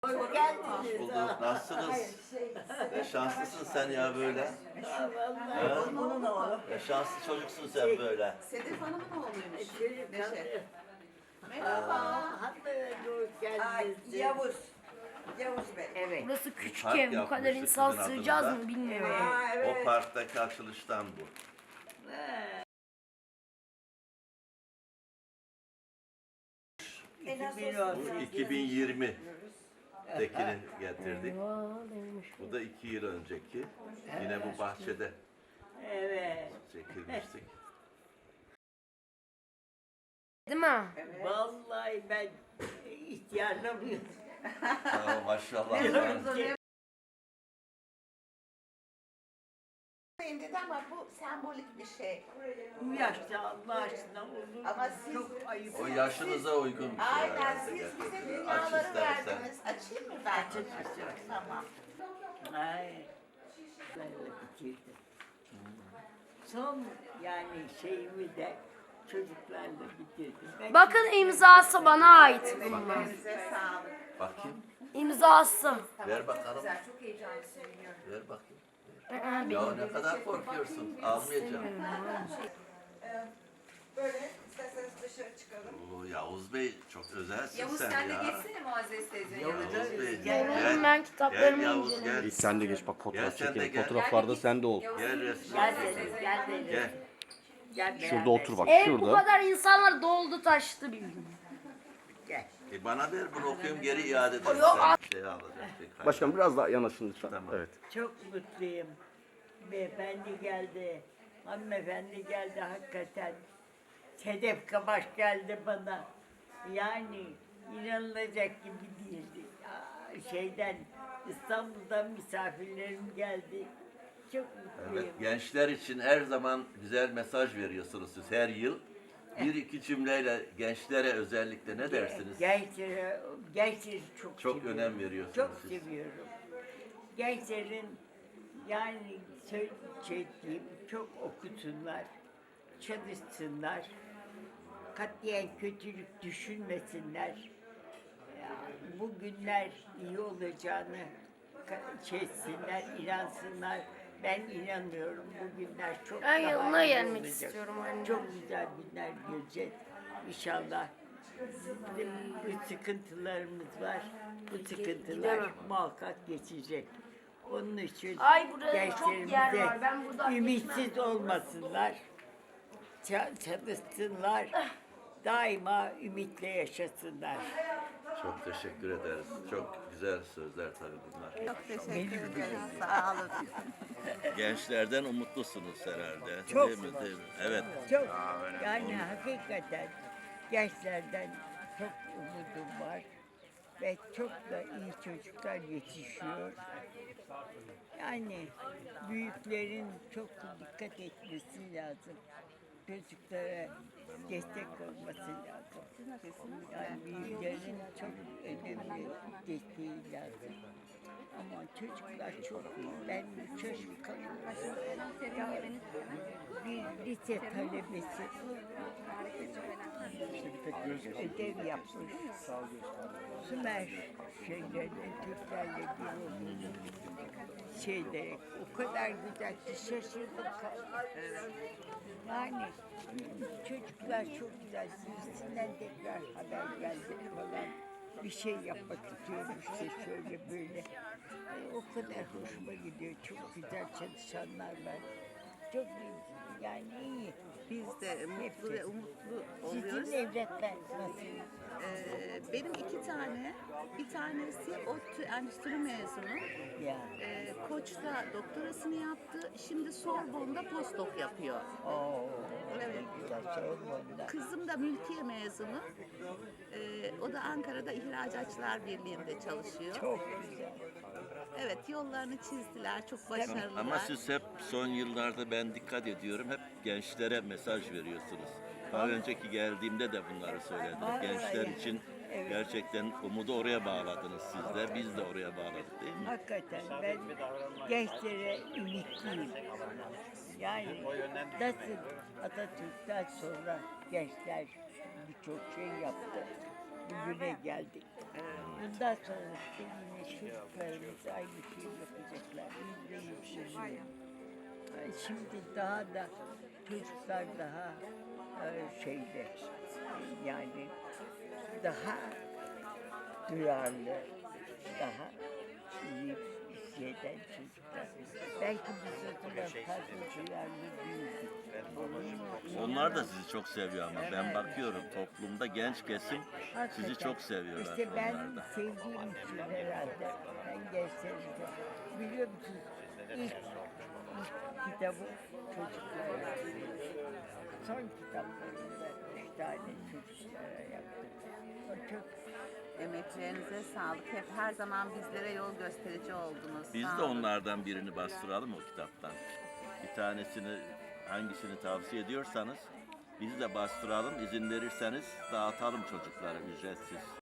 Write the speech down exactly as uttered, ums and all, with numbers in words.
Hoş geldiniz. Bulduk. Nasılsınız? Ne şanslısın sen ya böyle. Vallahi onun oğlu. Ne şanslı çocuksun sen böyle. Sedef Hanım'ın oğluymuş. Çocuk Neşe. Merhaba. Hanımefendi hoş Ay, geldiniz. Yavuz. Yavuz Bey. Evet. Burası küçük park ev. Bu kadar yapmıştık insan kızın sığacağız adında. mı bilmiyorum. Aa, evet. O parktaki açılıştan bu. Bu iki bin yirmi'dekini getirdik. Eyvah demiş. Bu da iki yıl önceki. Yine bu bahçede Evet. çekilmiştik. Değil mi? Vallahi ben ihtiyarlamıyorum. Tamam maşallah. Dedi ama bu sembolik bir şey. Bu yaşta Allah aşkına olur. Ama siz- Çok ayıp. O yaşınıza uygun bir şey Aynen herhalde siz bize gerçekten. Aç dünyaları istersen. verdiniz. Açayım mı ben? Açın, açın. Tamam. Ay. Böyle bitirdim. Son yani şeyimi de çocuklarla bitirdim. Ben Bakın imzası bana ait bunlar. Size sağlık. Bakayım. İmzası. Ver bakalım. Güzel, çok heyecanlısın biliyorum. Ver bakayım. Aa, benim. Ya ne kadar korkuyorsun. Almayacağım. Ee, böyle isterseniz dışarı çıkalım. Oo, Yavuz Bey çok özelsin Yavuz sen sen de ya. geçsene Muazzez teyzenin Yavuz yanına. Yavuz Bey. Gel, ben kitaplarımı Gel Yavuz inceledim. gel. İlk sen de geç bak Gel fotoğraf sen de çekelim. gel. Fotoğraflarda sen de ol. Yavuz, Gel resmi. Gel Muazzez dedim, teyzenin gel yanına dedim. Gel. Gel Şurada beraber. otur bak Ev bu şurada. kadar insanlar doldu taştı bildim. Gel. E bana ver bunu okuyayım geri iade ederim. Yok, Sen şey alacak. şey Başkanım biraz daha yanaşın lütfen. Tamam. Evet. Çok mutluyum. Beyefendi geldi. Hanımefendi geldi hakikaten. Sedef Kabaş geldi bana. Yani inanılacak gibi değildi. Ya, şeyden İstanbul'dan misafirlerim geldi. Çok mutluyum. Evet, gençler için her zaman güzel mesaj veriyorsunuz siz her yıl. Bir iki cümleyle gençlere özellikle ne dersiniz? Gençlere, gençleri çok Çok seviyorum. önem veriyorsunuz Çok siz. seviyorum. Gençlerin yani söyleyeceğim çok okusunlar, çalışsınlar, katiyen kötülük düşünmesinler. Ya, bu günler iyi olacağını ka- şey etsinler, inansınlar. Ben inanıyorum bu günler çok Ben daha yanına iyi gelmek olacak. istiyorum anne. Çok güzel günler göreceğiz inşallah. Bizim bu sıkıntılarımız var. Bu sıkıntılar gidemem. muhakkak geçecek. Onun için Ay, burada çok yer gençlerimize var. Ben buradan ümitsiz geçmem. olmasınlar. Ça- Çalışsınlar. Daima ümitle yaşasınlar. Çok teşekkür ederiz. Çok güzel sözler tabii bunlar. Çok teşekkür ederim. Sağ olun. Gençlerden umutlusunuz herhalde. Çok. Değil mi? Değil mi? Evet. Çok yani hakikaten gençlerden çok umudum var ve çok da iyi çocuklar yetişiyor. Yani büyüklerin çok dikkat etmesi lazım. Çocuklara destek olması lazım. Yani büyüklerin çok önemli desteği lazım. Ama çocuklar çok iyi. Ben çocuk bir lise talebesi ödev yapmış. Sümer şeylerle, Türklerle bir olduğunu şeylerek o kadar güzel ki şaşırdım kaldım. Yani çocuklar çok güzel. Birisinden tekrar haber geldi falan. Bir şey yapmak istiyorum işte şöyle böyle. Ay, o kadar hoşuma gidiyor. Çok güzel çalışanlar var. Çok iyi. Yani iyi. Biz de mutlu ve umutlu Sizin oluyoruz. evlatlar nasıl? Ee, benim iki tane, bir tanesi ODTÜ Endüstri mezunu. Ya. Ee, Koç'ta doktorasını yaptı. Şimdi Sorbonne'da postdoc yapıyor. Oo. Evet. Güzel Sorbonne'da. Kızım da mülkiye mezunu. Ee, o da Ankara'da İhracatçılar Birliği'nde çalışıyor. Çok güzel. Evet, yollarını çizdiler. Çok başarılılar. Ama siz hep son yıllarda ben dikkat ediyorum hep gençlere mesaj veriyorsunuz. Daha önceki geldiğimde de bunları söyledim. Vallahi. Gençler için Evet. gerçekten umudu oraya bağladınız siz de. Biz de oraya bağladık değil mi? Hakikaten ben gençlere ümitliyim. Yani nasıl Atatürk'ten sonra gençler birçok şey yaptı. bugüne geldik. Bundan sonra işte yine çocuklarımız aynı şeyi yapacaklar. Yüzde yüz eminim. Ay, Şimdi daha da çocuklar daha e, şeyde yani daha duyarlı, daha iyi hisseden çocuklar. Belki biz o zaman fazla duyarlı değildik. Onlar da sizi çok seviyor ama ben bakıyorum toplumda genç kesim sizi Hakikaten. çok seviyorlar. İşte ben onlar da. sevdiğim için herhalde ben gençlerimize biliyor musunuz ilk, ilk kitabı çocuklara son kitaplarında üç tane çocuklara yaptım. O çok Emeklerinize sağlık. Hep her zaman bizlere yol gösterici oldunuz. Biz Sağ de olun. onlardan birini bastıralım o kitaptan. Bir tanesini hangisini tavsiye ediyorsanız biz de bastıralım. İzin verirseniz dağıtalım çocuklara ücretsiz.